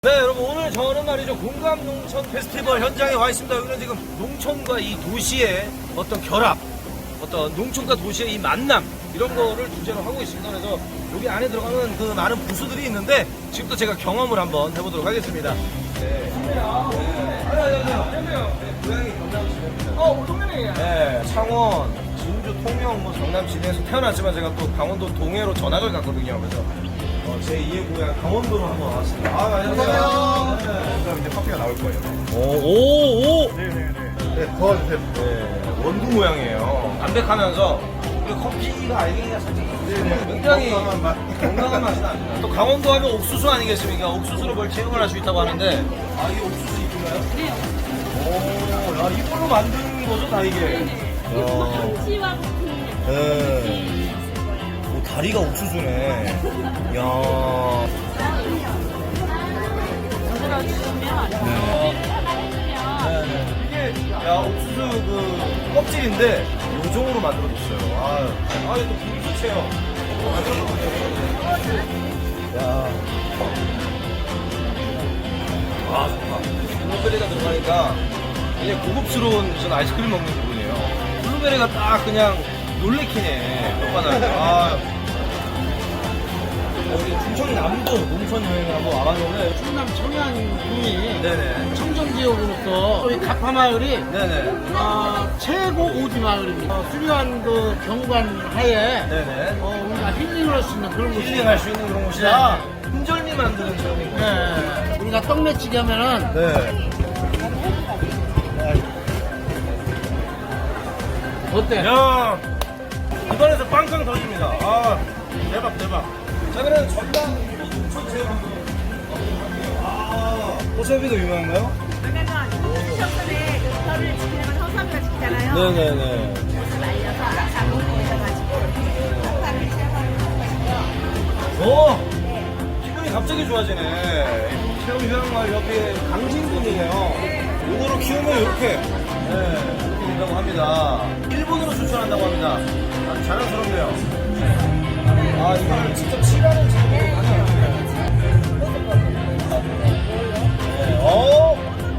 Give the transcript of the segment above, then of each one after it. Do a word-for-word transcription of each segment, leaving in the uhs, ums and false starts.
네, 여러분, 오늘 저는 말이죠, 공감농촌 페스티벌 현장에 와 있습니다. 여기는 지금 농촌과 이 도시의 어떤 결합, 어떤 농촌과 도시의 이 만남, 이런 거를 주제로 하고 있습니다. 그래서 여기 안에 들어가는 그 많은 부수들이 있는데 지금부터 제가 경험을 한번 해보도록 하겠습니다. 네. 네. 안녕하세요. 안녕하세요. 네, 고향이 경남시입니다. 어, 동네이에요. 네, 창원, 진주, 통영, 뭐 경남 진해에서 태어났지만 제가 또 강원도 동해로 전학을 갔거든요. 그래서 어, 제이의 고향 강원도로 한번 왔습니다. 아, 안녕하세요. 네. 그럼 이제 커피가 나올 거예요. 오, 오, 오! 네네네. 네, 도와주세요. 네, 원두 모양이에요. 담백하면서 우리 커피가 알갱이가 살짝 네네. 굉장히 건강한 맛. 건강한 맛이 납니다. 또 강원도 하면 옥수수 아니겠습니까? 옥수수로 뭘 체험을 할 수 있다고 하는데, 아, 이게 옥수수 잎인가요? 네. 오, 야, 이걸로 만드는 거죠, 다 이게? 이거 참치와 같은 네. 오, 다리가 옥수수네. 이야. 만들어주시면 이게, 야, 옥수수 그 껍질인데, 요정으로 만들어줬어요. 아, 아, 이거 또 분수 체험. 야. 아, 좋다. 블루베리가 들어가니까 이제 고급스러운 무슨 아이스크림 먹는 기분이에요. 블루베리가 딱 그냥 놀래키네. 오빠는. 아. 여기 충청 남도 농촌 여행을 한번 와봤는데. 충남 청양군이 네네. 청정지역으로서 우리 가파마을이 네네. 어, 최고 오지 마을입니다. 어, 수려한 그 경관 하에 네네. 어, 우리가 힐링을 할 수 있는 그런 곳이 힐링할 수 있는 그런 곳이라 흔절미 만드는 체험인 거예요. 네. 우리가 떡매치기 하면은 네. 어때? 야, 입안에서 빵빵 터집니다. 아, 대박, 대박. 자, 그럼 전남 농촌 체험 한번 해볼게요. 아, 호섭이도 유명한가요? 왜냐면 호수천선에 그 별을 지키려면 허수아비가 지키잖아요. 네네네. 옷을 말려서 장롱에 넣어가지고 석탄을 체험하는 것이고요. 오! 기분이 갑자기 좋아지네. 체험 휴양마을 옆에 강진군이네요. 요거로 키우면 이렇게, 네, 이렇게 된다고 합니다. 일본으로 추천한다고 합니다. 아주 자랑스럽네요. 아, 이걸 직접 칠하는 작업이 가능해요. 네, 어!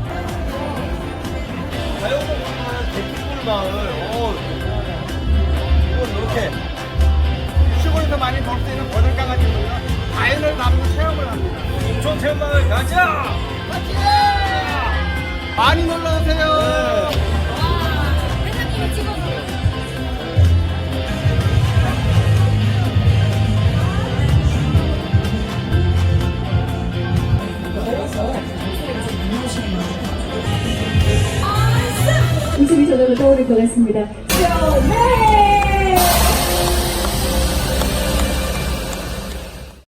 자연을 이용한 대피골 마을, 어, 이건 이렇게. 시골에서 많이 볼 수 있는 버들 강아지고요. 자연을 담은 체험을 합니다. 농촌 체험마을 가자! 많이 놀러 오세요. 회장님이 찍어서. 웃음이 저절로 떠오를 것 같습니다. 쇼맨!